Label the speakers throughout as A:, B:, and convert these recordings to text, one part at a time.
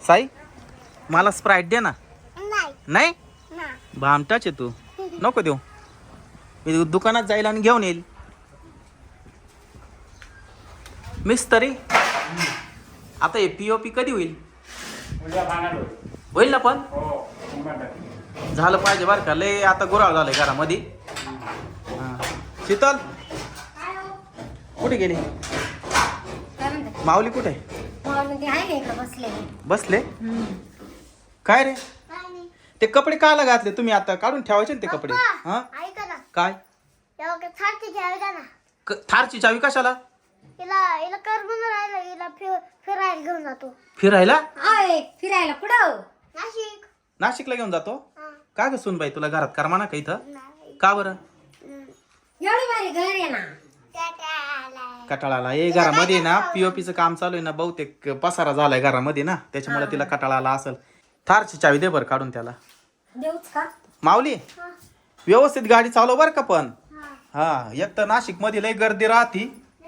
A: साई मला स्प्राईट दे ना.
B: नाही
A: नाही
B: ना
A: भामटाच आहे तू. नको देऊ. मी दुकानात जाईल आणि घेऊन येईल. मिस्त्री आता हे पीओपी कधी होईल? होईल ना पण झालं पाहिजे बरं का. लय आता गुराळ झालंय घरामध्ये. शीतल कुठे गेली? माऊली कुठे? बसले काय रे? ते कपडे काला घातले तुम्ही? आता काढून ठेवायचे ना ते कपडे. हा
B: ऐका ना
A: काय?
B: थारची चावी द्या ना.
A: थारची चावी कशाला?
B: हिला कर म्हणून राहिला. हिला फिरायला घेऊन जातो.
A: फिरायला?
C: फिरायला कुठं?
B: नाशिक.
A: नाशिकला घेऊन जातो?
B: हा.
A: का ग सुनबाई तुला घरात करमा ना का इथं?
B: नाही.
A: का बरं?
C: एवढी भारी घर आहे ना.
A: कटाळाला ये घरामध्ये ना पीओपीचं काम चालू आहे ना. बहुतेक पसारा झालाय घरामध्ये ना त्याच्यामुळे तिला कटाळा आला असेल. थारची चावी दे बरं काढून त्याला.
C: देऊच का?
A: माऊली व्यवस्थित गाडी चालव बर का पण. हा एक तर नाशिक मध्ये लय गर्दी राहती.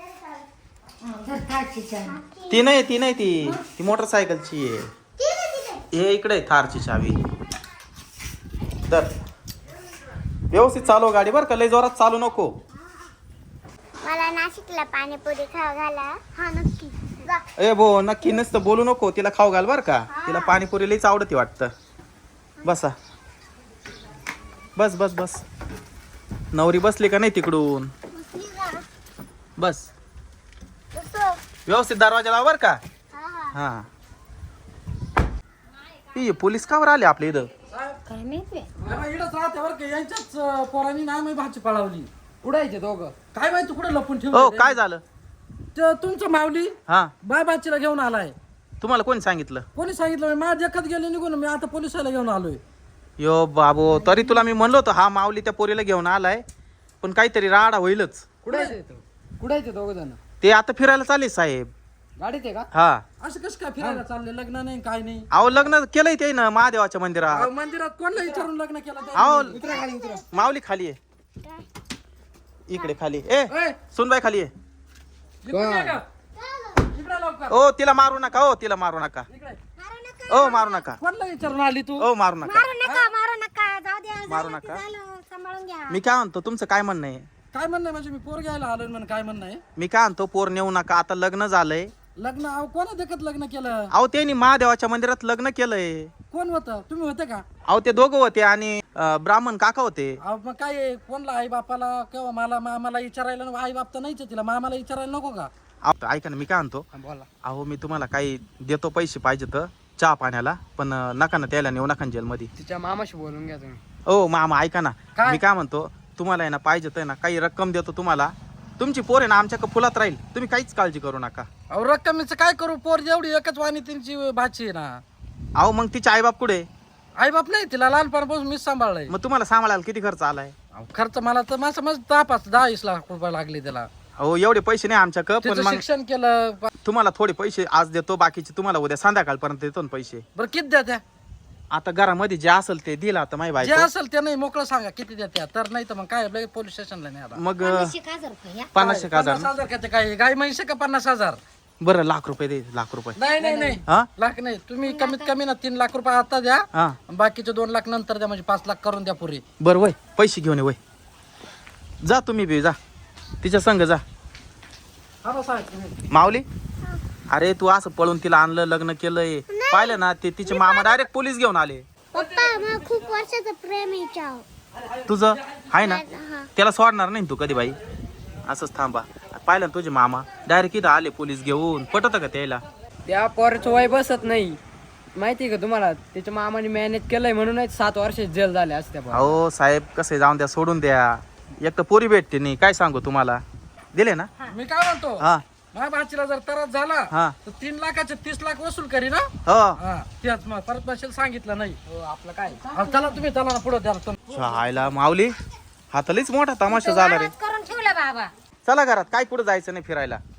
A: ती नाही ती मोटरसायकलची आहे. हे इकडे थारची चावी. तर व्यवस्थित चालव गाडी बर का. लय जोरात चालू नको.
B: मला नाशिकला पाणीपुरी खाऊ घाला. हा नक्की जा.
A: ए भो नक्की नसतं बोलू नको. तिला खाऊ घाल बर का. तिला पाणीपुरी लईच आवडती वाटतं. बसा बस बस बस. नवरी बसली का नाही तिकडून?
B: बसली का?
A: बस
B: बसो.
A: व्यवस्थित दरवाजा लाव बर का.
B: हा हा.
A: हा ही पोलीस कावर आले आपल्या इथं?
C: काय माहिती?
D: इकडंच राहते बरं का. यांच्याच पोरांनी ना मी भाजी पळावली. उडायचे दोघं. काय माहिती कुठे लपून
A: हो
D: ठेवलं
A: काय झालं?
D: तुमचं माऊली
A: हा
D: बाबाचीला घेऊन आलाय.
A: तुम्हाला कोणी सांगितलं?
D: कोणी सांगितलं? माझ्या देखत गेले निघून. मी आता पोलिसाला घेऊन आलोय.
A: यो बाबो तरी तुला मी म्हणलो होतो हा माऊली त्या पोरीला घेऊन आलाय. पण काहीतरी राडा होईलच.
D: कुडायचे दोघ जण.
A: ते आता फिरायला चालले साहेब.
D: गाडीत आहे का?
A: हा
D: असं कसं काय फिरायला चालले? लग्न नाही काय नाही.
A: अहो लग्न केलंय ते ना महादेवाच्या मंदिरात.
D: अहो, मंदिरात कोणला विचारून लग्न केलं?
A: अहो माऊली खाली आहे. इकडे खाली. ए सुनबाई खाली आहे.
D: इकडे लवकर.
A: ओ तिला मारू नका. ओ तिला मारू नका.
D: इकडे.
A: ओ मारू नका.
D: कोणला विचारून आली तू?
A: ओ मारू नका.
C: मारू नका जाऊ द्या.
A: मारू नका.
C: सांभाळून घ्या.
A: मी काय म्हणतो तुमचं काय म्हणणं आहे?
D: काय म्हणणं आहे? म्हणजे मी पोर घ्यायला आलोय म्हणून काय म्हणणं आहे?
A: मी काय म्हणतो पोर नेऊ नका. आता लग्न झालंय.
D: लग्न अहो कोणा देखत लग्न केलं?
A: अहो त्यांनी महादेवाच्या मंदिरात लग्न केलंय.
D: कोण होतं? तुम्ही होते का?
A: अहो ते दोघं होते आणि ब्राह्मण काका होते.
D: अहो मग काय आहे? कोणला आई बापाला किंवा मला मामाला विचारायला नको? आई बाप तर नाहीच आहे तिला. मामाला विचारायला नको का?
A: अहो, ऐका ना मी काय म्हणतो.
D: बोला.
A: अहो मी तुम्हाला काही देतो पैसे पाहिजे तर चहा पाण्याला. पण नका ना त्याला नेऊ नका जेलमध्ये.
D: तिच्या मामाशी बोलून घ्या तुम्ही.
A: ओ मामा ऐका ना.
D: काय?
A: मी काय म्हणतो तुम्हाला आहे ना पाहिजे तर ना काही रक्कम देतो तुम्हाला. तुमची पोर आहे ना आमच्या फुलात राहील. तुम्ही काहीच काळजी करू नका.
D: अहो रक्कमीचं काय करू? पोर जेवढी एकच वाणी त्यांची भाची आहे ना.
A: अहो मग तिचे आईबाप कुठे?
D: आई बाप नाही तिला लहानपणापासून मीच सांभाळलंय.
A: मग तुम्हाला सांभाळायला किती खर्च आलाय?
D: अहो, खर्च मला तर माझं 10-20 लाख रुपये लागले त्याला.
A: अहो एवढे पैसे नाही आमच्याकडे. पण
D: तिचं
A: मग
D: शिक्षण केलं.
A: तुम्हाला थोडे पैसे आज देतो. बाकीचे तुम्हाला उद्या संध्याकाळपर्यंत देतो ना पैसे.
D: बरं किती द्या त्या?
A: आता घरामध्ये जे असेल ते दिला आता माही
D: जे
A: बायको.
D: असेल ते नाही मोकळं सांगा किती द्या त्या. तर नाही तर मग काय लगेच पोलीस स्टेशनला नाही आता.
A: मग
C: 50,000 रुपये या.
A: 50,000 ना?
D: 50,000 का ते काय गाय म्हैसे का 50,000?
A: बरं लाख रुपये दे. लाख रुपये.
D: नाही
A: हा
D: लाख नाही. तुम्ही कमीत कमी ना 3 लाख रुपये आता द्या.
A: हा
D: बाकीचे 2 लाख नंतर द्या. म्हणजे 5 लाख करून द्या पुरी.
A: बरं वय पैसे घेऊन ये वय. जा तुम्ही बी जा तिच्या संग जा.
D: हा बस आहे तुम्ही.
A: माऊली अरे तू असं पळून तिला आणलं लग्न केलंय पाहिलं ना. ते तिचे मामा डायरेक्ट पोलीस घेऊन आले.
B: पप्पा मला खूप वर्षाचं प्रेम आहे हिच्यावर.
A: तुझं आहे ना
B: हा.
A: त्याला सोडणार नाही तू कधी बाई. असंच थांबा. पाहिलं ना तुझे मामा डायरेक्ट इथं आले पोलीस घेऊन. पटत का त्याला?
E: त्या पोराचं वय बसत नाही माहिती का तुम्हाला? त्याच्या मामाने मॅनेज केलंय म्हणूनच 7 वर्ष जेल झाले असत्या.
A: अहो साहेब कसं जाऊन द्या सोडून द्या. एक तर पोरी भेटते नाही काय सांगू तुम्हाला. दिले ना?
D: मी काय म्हणतो
A: हा
D: माझ्या भाचीला जर त्रास झाला
A: हा
D: तर 3 लाखाचे 30 लाख वसूल करी ना.
A: हो
D: हा त्याच मग परत भाषेला सांगितलं नाही. आपलं काय चला तुम्ही चला ना पुढे द्या.
A: आयला माऊली हातालीच मोठा तमाशा झाला रे.
C: करून ठेवलं बाबा.
A: चला घरात काय कुठं जायचं नाही फिरायला.